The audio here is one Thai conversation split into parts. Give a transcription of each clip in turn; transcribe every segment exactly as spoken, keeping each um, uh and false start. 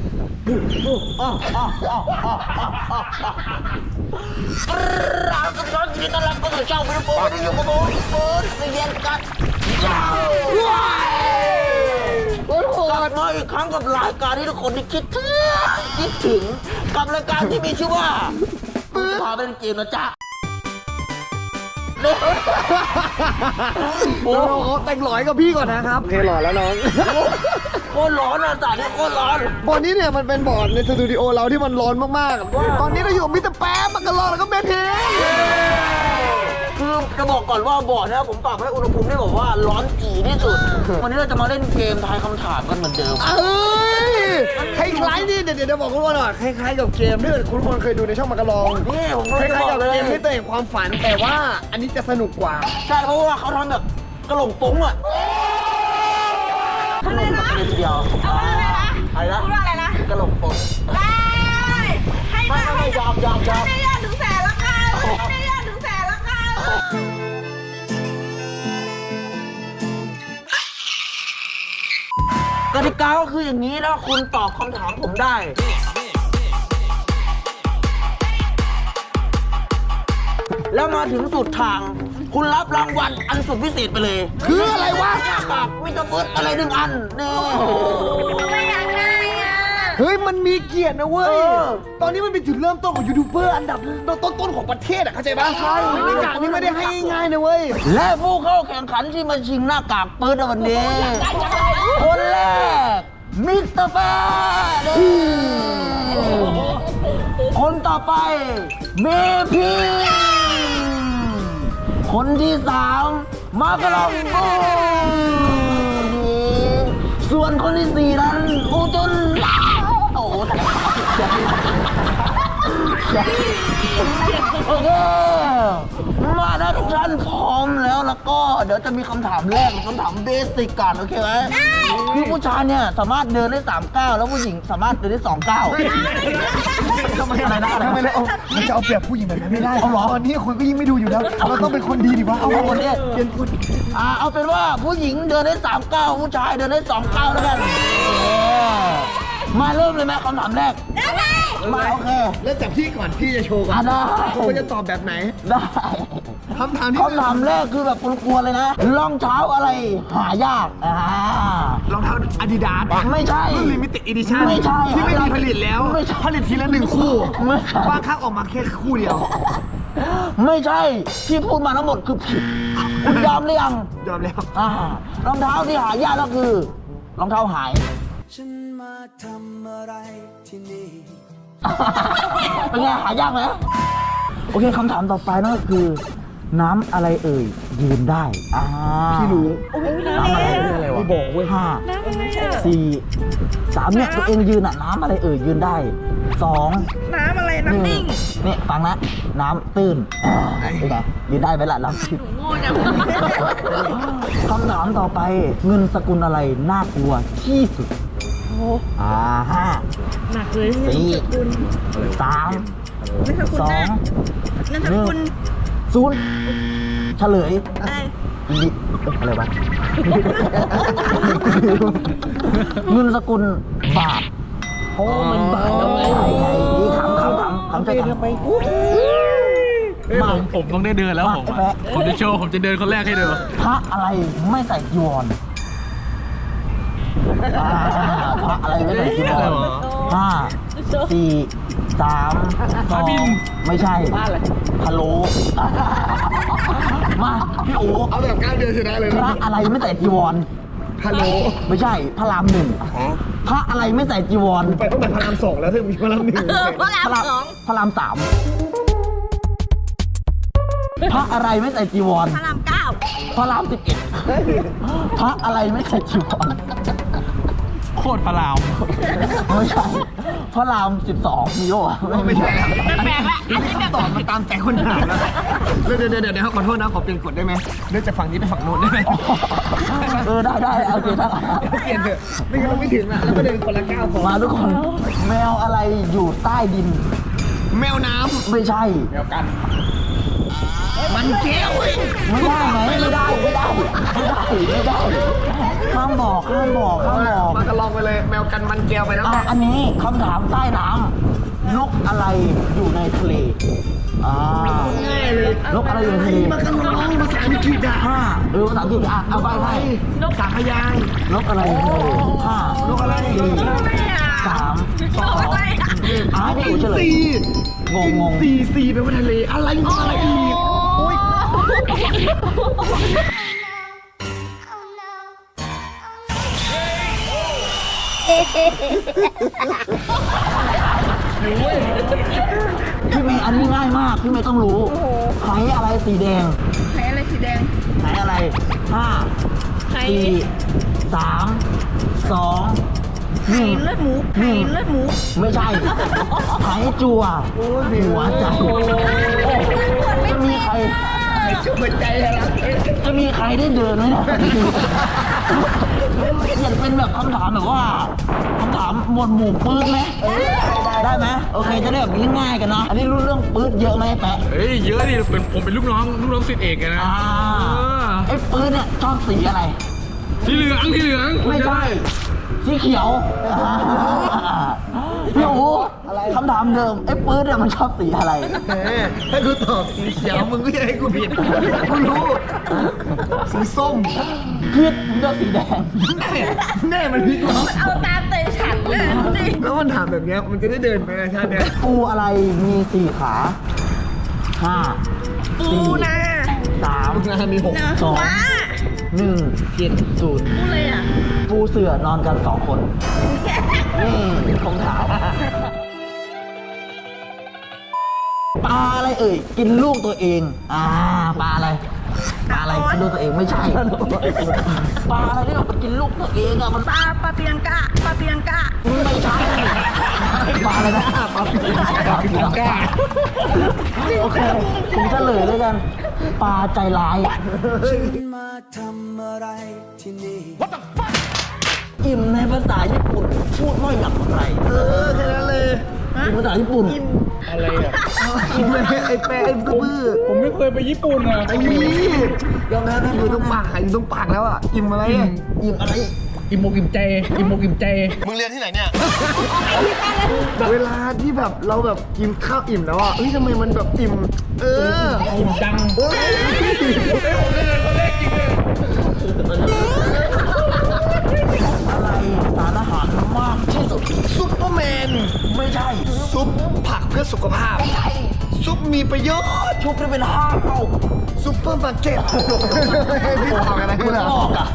เรากำลังจะต้อนรับเข้าสู่ช่องวิดีโอที่อยู่กับผมเปิดเรียนกันโอ้โหมาอีกครั้งกับรายการที่ทุกคนที่คิดถึงคิดถึงกับรายการที่มีชื่อว่าพาเป็นเกมนะจ๊ะโอ้โหแต่งหลอยกับพี่ก่อนนะครับโอเคหล่อแล้วน้องโคตรร้อนอ่ะสายนี้โคตรร้อนบอร์ดนี้เนี่ยมันเป็นบอร์ดในสตูดิโอเราที่มันร้อนมากๆตอนนี้เราอยู่กับมิสเตอร์แป๊บมักกะลอแล้วก็เมทีคือจะบอกก่อนว่าบอร์ดนะผมปรับให้อุณหภูมิได้บอกว่าร้อนจีที่สุดวันนี้เราจะมาเล่นเกมทายคำถามกันเหมือนเดิมเอ้ยคล้ายๆนี่เดี๋ยวเดี๋ยวบอกคุณว่าหน่อยคล้ายๆกับเกมที่คุณคนเคยดูในช่องมักกะลองนี่ผมคล้ายๆกับเกมที่ตัวเองความฝันแต่ว่าอันนี้จะสนุกกว่าใช่เพราะว่าเขาทำแบบกระหล่ำปุ้งอ่ะอะไรนะเดียวอะไรนะอะไรนะพูดว่าอะไรนะกระหล่ำปุ้งได้ให้ไม่ไม่ยอมยอมยอมไม่ได้ยอดถึงแสนละกันไม่ได้ยอดถึงแสนละกันกติกาก็คืออย่างนี้แล้วคุณตอบคำถามผมได้แล้วมาถึงสุดทางคุณรับรางวัลอันสุดพิเศษไปเลยคืออะไรวะหน้ากากมิสเตอร์เฟิร์สอะไรหนึ่งอันนี่ไม่อยากได้อ่ะเฮ้ยมันมีเกียรตินะเว้ยตอนนี้มันเป็นจุดเริ่มต้นของยูทูบเบอร์อันดับต้นๆของประเทศอ่ะเข้าใจป่ะใช่หน้ากากนี้ไม่ได้ให้ง่ายๆนะเว้ยและผู้เข้าแข่งขันที่มาชิงหน้ากากเปิดในวันนี้คนแรกมิสเตอร์เฟิร์สคนต่อไปเมพีคนที่สามมากระลองบูส่วนคนที่สี่นั้นอูจุนโอ้โหโอเคมาได้ทุกท่านพร้อมแล้วแล้วก็เดี๋ยวจะมีคำถามแรกคำถามเบสิกก่อนโอเคไหมคือผู้ชายเนี่ยสามารถเดินได้สามก้าวแล้วผู้หญิงสามารถเดินได้สองก้าวทำไมอะไรนะทำไมเลยเอามันจะเอาเปรียบผู้หญิงแบบนั้นไม่ได้เอาหรอตอนนี้คนก็ยิ่งไม่ดูอยู่แล้วเราต้องเป็นคนดีดีวะเอาคนนี้เปลี่ยนคนอ่าเอาเป็นว่าผู้หญิงเดินได้สามก้าวผู้ชายเดินได้สองก้าวแล้วกันมาเริ่มเลยไหมคำถามแรกมาโอเคเริ่มจากพี่ก่อนพี่จะโชว์ก่อนได้คุณจะตอบแบบไหนได้คำถามที่คำถามแรกคือแบบกลัวๆเลยนะรองเท้าอะไรหายากอ่ารองเท้าอาดิดาสไม่ใช่รุ่นลิมิเต็ดอีดิชั่นไม่ใช่ที่ไม่มีผลิตแล้วผลิตทีละหนึ่งคู่บางครั้งออกมาแค่คู่เดียวไม่ใช่ที่พูดมาทั้งหมดคือผิดคุณยอมหรือยังยอมแล้วอ่ารองเท้าที่หายากก็คือรองเท้าหายฉันมาทำอะไรที่นี่เป็นไงหายากไหมโอเคคำถามต่อไปนั่นก็คือน้ำอะไรเอ่ยยืนได้อ่าพี่รู้น้ำอะไรอะไรวะบอกเว้ยห้าสี่สามเนี่ยตัวเองยืนอ่ะน้ำอะไรเอ่ยยืนได้สองน้ำอะไรน้ำนิ่งเนี่ยฟังนะน้ำตื้นเป็นไงยืนได้ไหมล่ะน้ำตื้นคำถามต่อไปเงินสกุลอะไรน่ากลัวที่สุดอ่าห้าหนักเลยสี่สามสองหนึ่งศูนย์เฉลยอะไรวะเงินสกุลบาทโอ้มันบาทเอาไงนี่ขำขำขำขำใจขำไปมาผมต้องได้เดินแล้วผมผมจะโชว์ผมจะเดินคนแรกให้ดูพระอะไรไม่ใส่จีวรพระอะไรไม่ใส่จีวรห้าสี่สามสองไม่ใช่พะโล้มาพี่โอ๋เอาแบบก้าวเดียวชนะเลยพระอะไรไม่ใส่จีวรพะโล้ไม่ใช่พระรามหนึ่งพระอะไรไม่ใส่จีวรไปต้องเป็นพระรามสองแล้วถึงมีพระรามหนึ่งพระรามสองพระรามสามพระอะไรไม่ใส่จีวรพระรามเก้าพระรามสิบเอ็ดพระอะไรไม่ใส่จีวรโคตรพระรามไม่ใช่พระรามสิบสองมีโย่ไม่ใช่แปลกละอันนี้แบบตอบมาตามใจคนถามแล้วเดี๋ยวเดี๋ยวเดี๋ยวขอโทษนะขอเปลี่ยนกฎได้ไหมเลื่อนจากฝั่งนี้ไปฝั่งโน้นได้ไหมเออได้ได้โอเคได้เปลี่ยนเถอะไม่งั้นเราไม่ถึงอ่ะแล้วก็เดินคนละก้าวพอมาทุกคนแมวอะไรอยู่ใต้ดินแมวน้ำไม่ใช่แมวกันมันแก้วเว้ยไม่ได้ไหมไม่ได้ไม่ได้ไม่ได้ไม่ได้ห้ามบอกห้ามบอกห้ามบอกมากระลองไปเลยแมวกันมันแก้วไปแล้วอ่ะอันนี้คำถามใต้น้ำนกอะไรอยู่ในทะเลอ่าง่ายเลยนกอะไรอยู่ในทะเลมากระลองภาษาอังกฤษอ่ะห้าเออภาษาอังกฤษอ่ะเอาไปให้นกสามพยางค์นกอะไรอยู่ในทะเลห้านกอะไรสี่สามสองอ่ะให้พี่อู๋เฉลยสี่งงงงสี่สี่แปลว่าทะเลอะไรอะไรอีกโอ้ยพี่เมย์อันนี้ง่ายมากพี่เมย์ต้องรู้ไหอะไรสีแดงไหอะไรสีแดงไหอะไรห้าไข่สี่สามสองหไข่นึ่งเลือดหมูไข่เลือดหมูไม่ใช่ไหจัวหัวใจจะมีใครจุดใจอะไรจะมีใครได้เดินไหมเนี่ยอยากเป็นแบบคำถามแบบว่าคำถามหมวดหมู่ปื๊ดไหมได้ไหมโอเคจะได้แบบง่ายๆกันเนาะอันนี้รู้เรื่องปื๊ดเยอะไหมแปะเฮ้ยเยอะดิเป็นผมเป็นลูกน้องลูกน้องศิษย์เอกไงนะอ่าไอ้ปื๊ดเนี่ยชอบสีอะไรสีเหลืองสีเหลืองไม่ใช่สีเขียวพี่อู๋คำถามเดิมไอ้ปื๊ดเนี่ยมันชอบสีอะไรแหมถ้ากูตอบสีเขียวมึงก็จะให้กูผิดกูรู้สีส้มผิดมันชอบสีแดงแน่มันผิดหรอเอาตามใจฉันเลยดิแล้วมันถามแบบเนี้ยมันจะได้เดินไปในชาติเนี้ยปูอะไรมีสี่ขาห้าปูสี่นาสามงานมีหกนะสองม้าหนึ่งเจ็ดศูนย์ปูเลยอ่ะปูเสือนอนกันสองคนนี่คงถามปลาอะไรเอ่ยกินลูกตัวเองอ่าปลาอะไรปลาอะไรกินลูกตัวเองไม่ใช่ปลาอะไรที่แบบมันกินลูกตัวเองอะมันปลาปลาเปียงกะปลาเปียงกะไม่ใช่ปลาอะไรนะปลาปีปลาปีก้าโอเคผมเฉลยเลยกันปลาใจร้ายมาทำอะไรที่นี่อิ่มในภาษาญี่ปุ่นพูดว่าอย่างไรเออแค่นั้นเลยอิ่มภาษาญี่ปุ่นอะไรอ่ะกินไปไอ้แปะไอ้บื้อผมไม่เคยไปญี่ปุ่นอ่ะไอ้นี่ยอมรับนะอยู่ตรงปากอยู่ตรงปากแล้วอ่ะอิ่มอะไรอ่ะอิ่มอะไรอิ่มอกอิ่มใจอิ่มอกอิ่มใจมึงเรียนที่ไหนเนี่ย เวลาที่แบบเราแบบกินข้าวอิ่มแล้วอ่ะเฮ้ยทำไมมันแบบอิ่ม เอออิ่มจังเฮ้ยอะไรสารอาหารมากที่สุดซุปเปอร์แมนไม่ใช่ซุปผักเพื่อสุขภาพ ซุปมีประโยชน์ชุบได้เป็นห้าเท่าซุปเปอร์มาร์เก็ตพี่ทำอะไรคุคุณ ณลอ่ะอกอ่ะ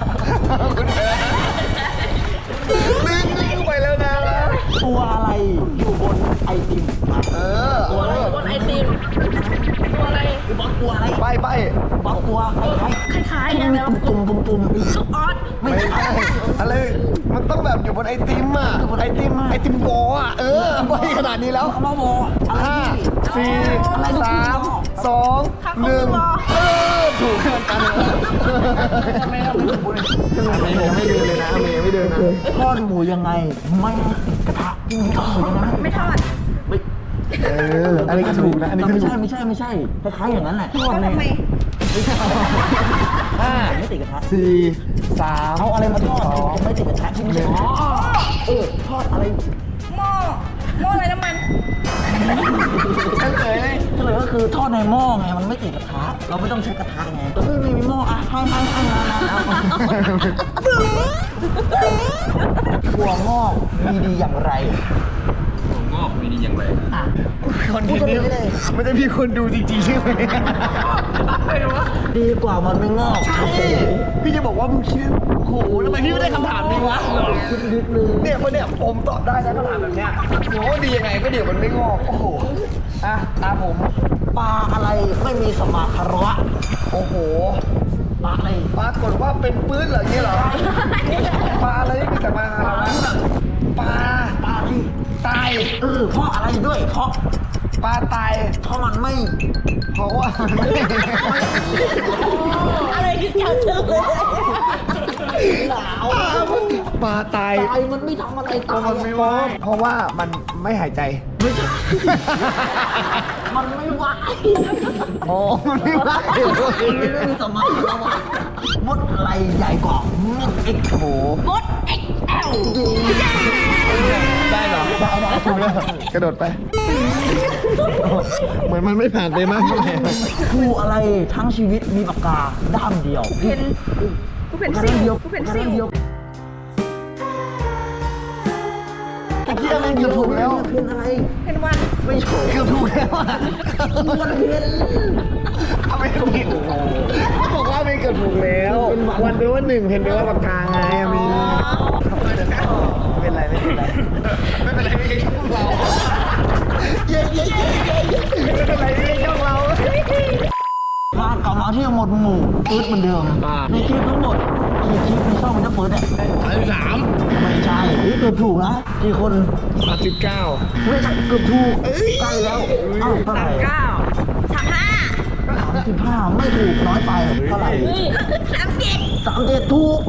ลืมลืมไปแล้วนะตัวอะไรอยู่บนไอติมเออตัวอะไรบนไอติมตัวอะไรบอสตัวอะไรไปไปบอสตัวคล้ายคล้ายๆๆที่กันมีแล้วตุ่มๆตุ่มลูกออสๆไม่ไม่ใช่ใช่อะไร มันต้องแบบอยู่บนไอติมอ่ะ ไอติม ไอติมโบอ่ะ เออไปขนาดนี้แล้วเขามาบอกอะไรห้าที่สี่อะไรที่สามบอกสองหนึ่งเออถูกกันกันเลยเมย์ยังไม่เดินเลยนะเมย์ยังไม่เดินนะทอดหมูยังไงไม่ให้ติดกระทะจริงๆทอดหมูยังไงไม่ทอดไม่เอออันนี้ก็ถูกนะ อันนี้ก็ไม่ถูใช่กไม่ใช่ไม่ใช่คล้ายๆอย่างนั้นแหละทอดก็เลยทำไมไม่ใช่ห้าไม่ติดกระทะสี่สามเอาอะไรมาทอดจะไม่ติดกระทะที่ไม่ใช่อ๋อเออทอดอะไรหม้อหม้ออะไรน้ำมันเฉลยเฉลยก็คือทอดในหม้อไงมันไม่ติดกระทะเราไม่ต้องใช้กระทะไงก็คือไม่มีหม้ออ่ะให้ให้ให้มาถั่วงอกมีดีอย่างไรผมงอกมีดีอย่างไรอ่ะคนทีนี้ไม่ได้มีคนดูจริงๆใช่ไหมดีกว่ามันไม่งอกใช่พี่จะบอกว่ามึงคิดโอ้โหทำไมพี่ไม่ได้คำถามนี้วะคิดนิดนึงเนี่ยพอเนี่ยผมตอบได้นะคำถามแบบเนี้ยโหดียังไงก็เดี๋ยวมันไม่งอก โอ้โห อ่ะตามผมปลาอะไรไม่มีสมาคารวะโอ้โหปลาอะไรปรากฏว่าเป็นปื้นเหรอเนี่ยเหรอ ปลาอะไรที่มีแต่มาหาเราปลาปลาที่ตายเออเพราะอะไรด้วยเพราะปลาตายเพราะมันไม่เพราะว่ามันไม่อะไรคือจับเธอเลยหนาวปลาตายตายมันไม่ทำอะไรตายมันไม่ว่าเพราะว่ามันไม่หายใจไม่ใช่มันไม่ไหวโอ้มันไม่ว่ามันไม่ได้มีสมองแล้วว่ะมดอะไรใหญ่กว่ามดเอ็กโถมด เอ็กซ์แอลได้เหรอได้ได้ถูกแล้วกระโดดไป เหมือนมันไม่ผ่านไปมากเท่าไหร่ครูอะไรทั้งชีวิตมีปากกาด้ามเดียวเพนกูเป็นซิวกูเป็นซิวไอ้เหี้ยมันเกือบถูกแล้วเพนอะไรเพนวันไม่ถูกเกือบถูกแล้วอ่ะมันเพนเอาไม่ถูกเขาบอกว่าไม่เกิดถูกแล้ว วันเป็นว่าหนึ่งเพนเป็นว่าปากกาไงอะมีเป็นไรไม่เป็นไรไม่เป็นไรไม่ใช่ช่องเราเย้เย้เย้เย้ไม่เป็นไรไม่ใช่ช่องเรามากลับมาที่หมวดหมู่ปื๊ดเหมือนเดิมในคลิปทั้งหมดกี่คลิปในช่องมันจะเปิดเนี่ยสามสิบสามไม่ใช่เฮ้ยเกือบถูกนะกี่คนสามสิบเก้าไม่ใช่เกือบถูกใกล้แล้วอ้าวเท่าไหสาร่มเก้าสามห้าสามสิบห้าไม่ถูกน้อยไปเท่าไหร่สามเจ็ดสามเจ็ดถูก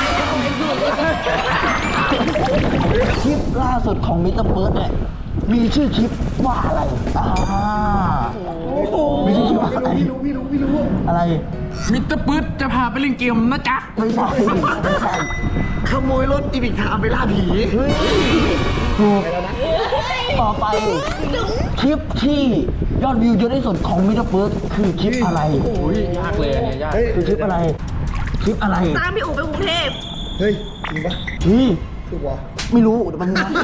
คลิปล่าสุดของมิสเตอร์เบิร์ดเนี่ยมีชื่อคลิปว่าอะไรอ่ามีชื่อคลิปว่าอะไรพี่รู้พี่รู้พี่รู้อะไรมิสเตอร์ปื๊ดจะพาไปเล่นเกมนะจ๊ะไม่ใช่ไม่ใช่ขโมยรถอีบิกทามไปล่าผีเฮ้ยถูกต่อไปคลิปที่ยอดวิวเยอะที่สุดของมิสเตอร์เบิร์ดคือคลิปอะไรโอ้ยยากเลยอันเนี่ยยากเฮ้ยคือคลิปอะไร คลิปอะไรตามพี่อู๋ไปกรุงเทพเฮ้ยจริงปะเฮ้ยถูกวะไม่รู้เดี๋ยวมันนะ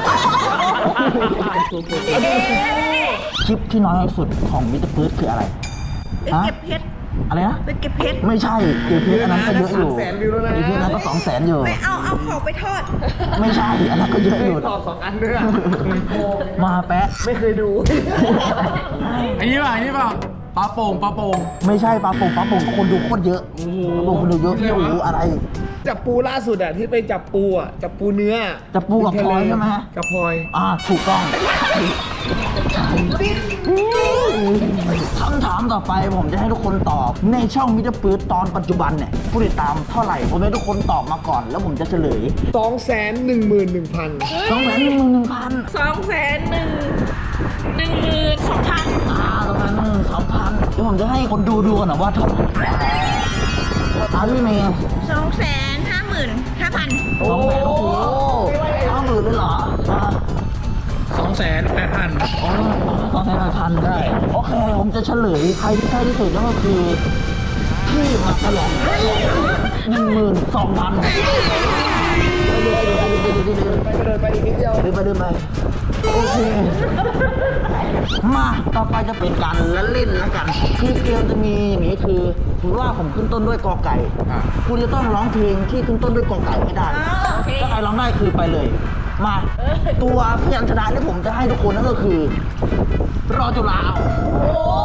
คลิปที่น้อยที่สุดของมิสเตอร์เบิร์ดคืออะไรไปฮะเก็บเพชรอะไรนะไปเก็บเพชรไม่ใช่เกียร์เพชรอันนั้นก็เยอะอยู่เกียร์เพชรนั้นก็สองแสนอยู่ไปเอาเอาของไปทอดไม่ใช่อันนั้นก็เยอะอยู่ต่อสองอันด้วยมาแปะไม่เคยดูอันนี้ป่ะอันนี้ป่ะปลาโป่งปลาโป่งไม่ใช่ปลาโป่งปลาโป่งคนดูโคตรเยอะโอ้โหปลาโป่งคนดูเยอะพี่โอ้โหอะไรจับปูล่าสุดอะที่ไปจับปูอะจับปูเนื้อจับปูกับพลอยใช่ไหมกับพลอยอ่าถูกต้องคำถามต่อไปผมจะให้ทุกคนตอบในช่องมิสเตอร์ปื๊ดตอนปัจจุบันเนี่ยผู้ติดตามเท่าไหร่ผมให้ทุกคนตอบมาก่อน แล้วผมจะเฉลยสองแสนหนึ่งหมื่นหนึ่งพันสองแสนหนึ่งหมื่นหนึ่งพันสองแสนหนึ่งหนึ่งหมื่นสองพันอ่าประมาณสองพันเดี๋ยวผมจะให้คนดูดูกันนะว่าเท่าไหร่อาพี่เมย์สองแสนห้าหมื่นห้าพันสองแสนโอ้โหห้าหมื่นเลยเหรออ่าสองแสนแปดพันอ๋อสองแสนแปดพันได้โอเคผมจะเฉลยใครที่ใกล้ที่สุดนั่นก็คือพี่มาตลอดหนึ่งหมื่นสองพันไปเดินไปเดินไปอีกนิดเดียวเดินไปเดินไปโอเคมาต่อไปจะเป็นการละเล่นแล้วกันคือเกมจะมีอย่างนี้คือถือว่าผมขึ้นต้นด้วยกอไก่คุณจะต้องร้องเพลงที่ขึ้นต้นด้วยกอไก่ให้ได้ถ้าใครร้องได้คือไปเลย มาตัวพยัญชนะที่ผมจะให้ทุกคนนั่นก็คือรอจุฬาเอาโอ้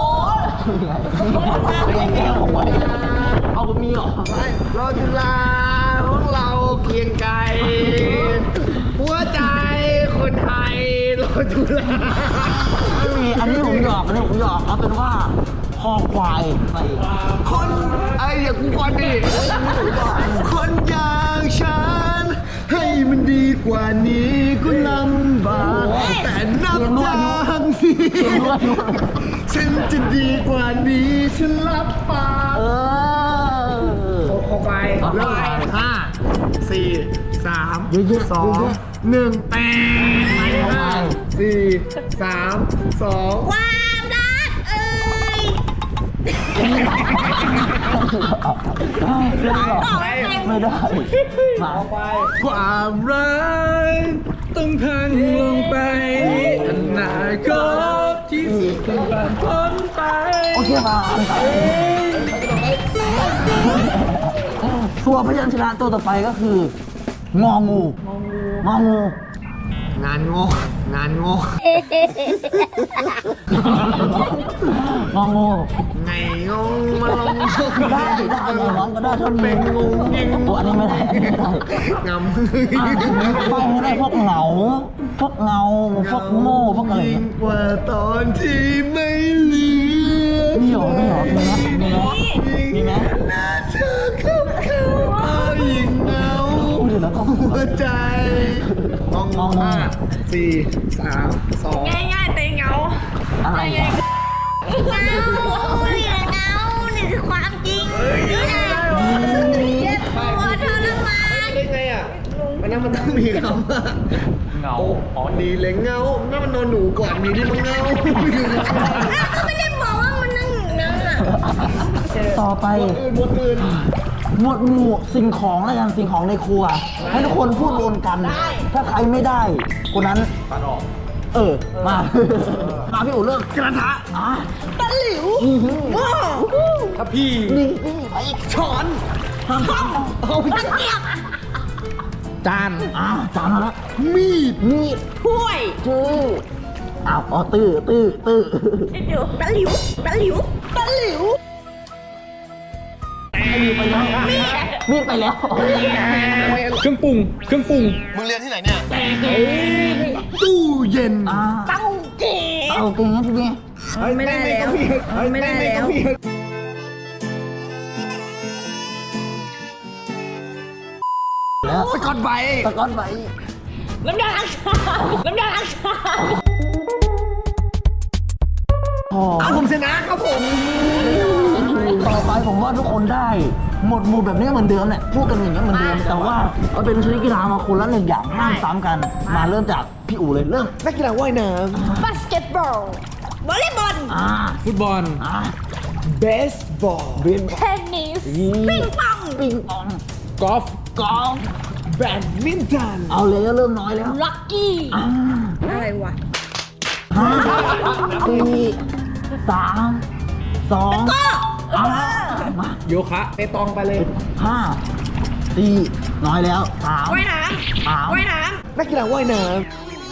ยแก้วของไปเอาไปมีเหรอรอจุฬาพวกเราเกรียงไกรหัวใจคนไทยรอจุฬาไม่มีอันนี้ผมหยอกอันนี้ผมหยอกเอาเป็นว่าคอควายไปคนไอ้อย่ากูก่อนดิคนอย่างฉัน ให้มันดีกว่านี้ก็ลำบากแต่นับจากนี้ฉันจะดีกว่านี้ฉันรับปากเออขอไปขอไปเริ่มห้าสี่สามเยอะๆสองเยอะหนึ่งแปดเอาไปห้าสี่สามสองความรักเอ้ยไม่ได้มาความรักต้องพังลงไปอนาคตที่สุดต้องผ่านพ้นไปโอเคมาตัวพยัญชนะตัวต่อไปก็คืององูงองูงานโง่งานโง่งองูไงงงมาลงได้ได้น้องก็ได้ถ้ามีงูตัวอันนี้ไม่ได้ไม่ได้งำอ่ะไปให้ได้พวกเหงาพวกเงาพวกโง่พวกอะไรยิ่งกว่าตอนที่ไม่เหลือมีหรอไม่หรอมีไหมมีไหมมีไหมหน้าเธอเข้าเข้าเอายิ่งเหงาแล้วก็หัวใจงองงองูห้าสี่สามสองง่ายๆเตงเงาอะไรอ่ะเงานี่แหละเงานี่คือความจริงนี่แหละเจ็บปวดทรมานได้ไงอ่ะมันนั้นมันต้องมีคำว่าเงาอ๋อดีเลยเงานั่นมันนอนหนูก่อนมีที่มันเงาอ้าวก็ไม่ได้บอกว่ามันนั่งอยู่นั่งอ่ะต่อไปบทอื่นบทอื่นหมวดหมู่สิ่งของแล้วกันสิ่งของในครัว ให้ทุกคนพูดรวมกัน ถ้าใครไม่ได้คนนั้นตัดออกเออมามาพี่อู๋เริ่มกระทะอ่ะตะหลิวว้าวถ้าพี่นี่นี่ไปอีกช้อนห้ามเอาเอาไปตะเกียบจานอ่าจานมาแล้วมีดมีดถ้วยชื่ออ้าวอ๋อตื้อตื้อตื้อเดี๋ยวตะหลิวตะหลิวตะหลิวมีดไปแล้วมีดไปแล้วเครื่องปรุง เครื่องปรุงมึงเรียนที่ไหนเนี่ยตู้เย็นอ่าเต้าเก๋เอาเก่งนะพี่เมย์ไม่ได้แล้ว ไม่ได้แล้วแล้วสกอตไบรท์ตะก้อนไปน้ำยาล้างจานน้ำยาล้างจานพอเอาผมชนะครับผมต่อไปผมว่าทุกคนได้ หมดหมู่แบบนี้เหมือนเดิมแหละพูดกันอย่างนี้เหมือนเดิมแต่ว่าเอาเป็นชนิดกีฬามาคนละหนึ่งอย่างห้ามซ้ำกัน มาเริ่มจากพี่อู๋เลยเริ่มนักกีฬาว่ายน้บาสเกตบอลวอลเลย์บอลอ่าฟุตบอลอ่าำเบสบอลเบนเทนนิสปิงปองปิงปองกอล์ฟกอล์ฟแบดมินตันเอาเลยก็เริ่มน้อยแล้วลักกี้อ่าอะไรวะห้าสี่สามสองอ่ามาโยคะไปตองไปเลยห้าสี่น้อยแล้วสามว่ายน้สามำว่ายน้นักกีฬาว่ายน้ำ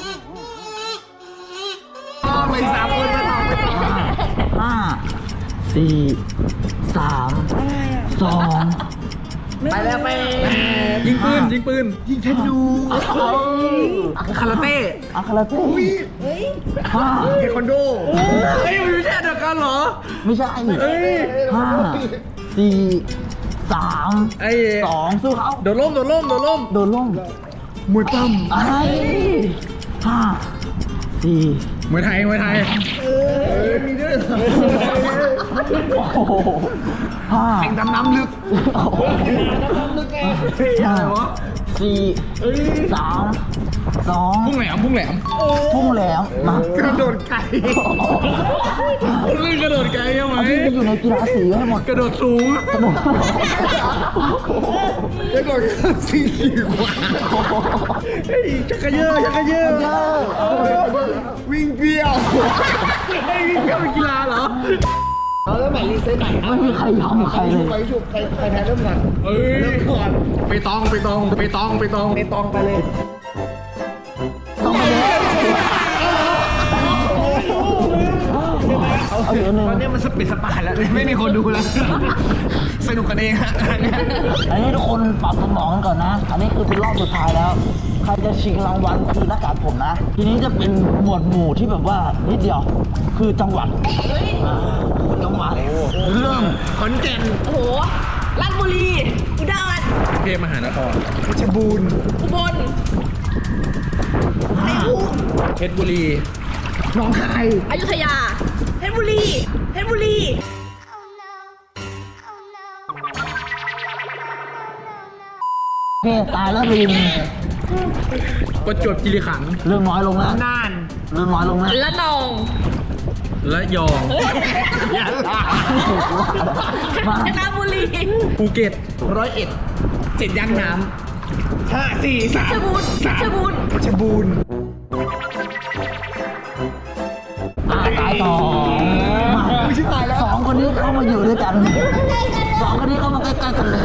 ไปสามคนไปต่อไปต่อห้าห้าสี่สามสองไปแล้วไปยิงปืน ยิงปืนยิงธนูเอาคาราเต้อาคาราเต้ห้าเทควันโดเฮ้ยมันไม่ใช่เดียวกันเหรอไม่ใช่ห้าสี่สามไอ้สองสู้เขาโดดร่ม โดดร่ม โดดร่มโดนล่มมวยปั้มไอ้ห้าสี่มวยไทย มวยไทยมีด้วยเหรอโอ้โหห้าแข่งดำน้ำลึกโอ้โหห้าสี่สามสองพุ่งแหลม พุ่งแหลมพุ่งแหลมมากระโดดไก่เล่นกระโดดไกลใช่ไหมเอาที่ไปอยู่ในกีฬาสีให้หมดกระโดดสูงกระโดดกระโดดข้ามสี่กว่าเฮ้ยชักกระเยอะชักกระเยอะเยอะวิ่งเบี้ยวไอ้นี่ก็เป็นกีฬาเหรอเอาแล้วใหม่รีเซ็ตใหม่ไม่มีใครยอมใครเลยไปฉุบใครใครแพ้เริ่มก่อนเอ้ยเริ่มก่อนไปตอง ไปตอง ไปตอง ไปตองในตองไปเลยต้องไปเลยเอาเหลือหนึ่งตอนนี้มันสเปซสปาแล้วไม่มีคนดูแล้ว สนุกกันเองฮะอันนี้ทุกคนปรับสมองกันก่อนนะ อันนี้คือเป็นรอบสุดท้ายแล้ว ใครจะชิงรางวัลคือหน้ากากผมนะ ทีนี้จะเป็นหมวดหมู่ที่แบบว่านิดเดียว คือจังหวัดอ่าจังหวัดเริ่มขอนแก่นำโอ้โหราชบุรีอุดรเทพมหานครเพชรบูรณ์อุบลห้าเพชรบุรีหนองคายอยุธยาเพชรบุรีเพชรบุรีโอเคตายแล้วลืมประจวบคีรีขันธ์เริ่มน้อยลงแล้วน่านเริ่มน้อยลงแล้วละนองและยองมากาญจนบุรีภูเก็ตร้อยเอ็ดเจ็ดย่านน้ห้าสี่สามเพชรบูรณ์เพชรบูรณ์เพชรบูรณ์อ่าตายต่อมาไม่ใช่ตายแล้วสองคนนี้เข้ามาอยู่ด้วยกันสองคนนี้เข้ามาใกล้ๆกันเลย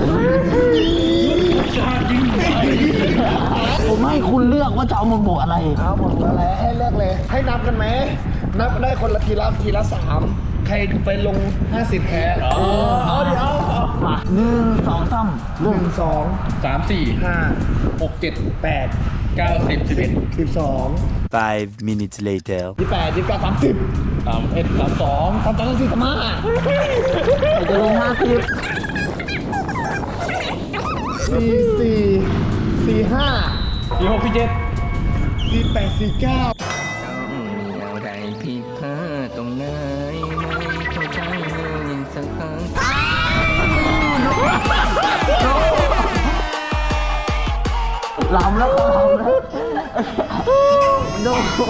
ผมให้คุณเลือกว่าจะเอาหมวดหมู่อะไรเอาหมดแล้วให้เลือกเลย ให้นับกันไหม นับได้คนละทีละทีละสามใครไปลงห้าสิบแพ้เอาเดี๋ยวเอาเอามาหนึ่งสองสามหเริ่มนึ่งสองำสามสี่ห้าหกเจ็ดแปดเก้าสิบสิบเอ็ดสิบสอง Five minutes later. ยี่แปดยี่แปดสามสิบสามเอ็ดสามสองสามสองสี่สามห้าใครจะลงห้าสิบสี่สี่สี่ห้าสี่หกสี่เจ็ดสี่แปดสี่เก้าอะไรผิดพลาดตรงไหนไม่เข้าใจเลยสักครั้งลำแล้วลำแล้วโด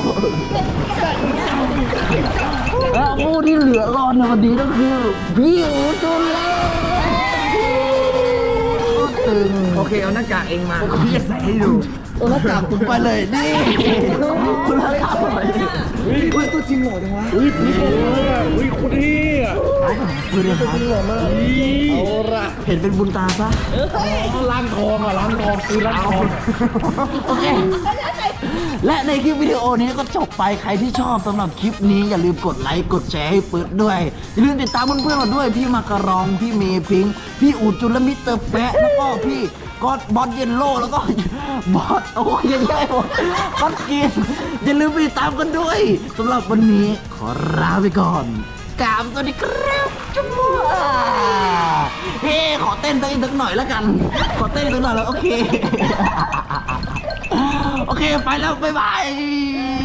แล้วผู้ที่เหลือรอดในวันนี้ก็คือพี่อูจุนแล้วตึงโอเคเอาหน้ากากเองมาพี่จะใส่ให้ดูเอาหน้ากากคุณไปเลยนี่คุณหน้ากากไปเฮ้ยตัวจริงหล่อจังวะอุ้ยพี่บอกเลยอ่ะอุ้ยคนที่อ่ะคุณเนี่ยครับเอาละเห็นเป็นบุญตาซะล้างทองอ่ะล้างทองคือล้างทองโอเค และในคลิปวิดีโอนี้ก็จบไปใครที่ชอบสำหรับคลิปนี้อย่าลืมกดไลค์กดแชร์ให้ปื๊ดด้วยอย่าลืมติดตามเพื่อนๆเราด้วยพี่มากระรองพี่เมย์พิงค์พี่อูจุนและมิสเตอร์แปะแล้วก็พี่ก็อดบอสเยนโลแล้วก็บอสโอ้ยยังไงหมดก็อดกินอย่าลืมไปติดตามกันด้วยสำหรับวันนี้ขอลาไปก่อนกราบสวัสดีครับจุ๊บเฮ้ขอเต้นสักหน่อยแล้วกัน ขอเต้นสักหน่อยแล้วโอเค โอเค ไปแล้ว บ๊ายบาย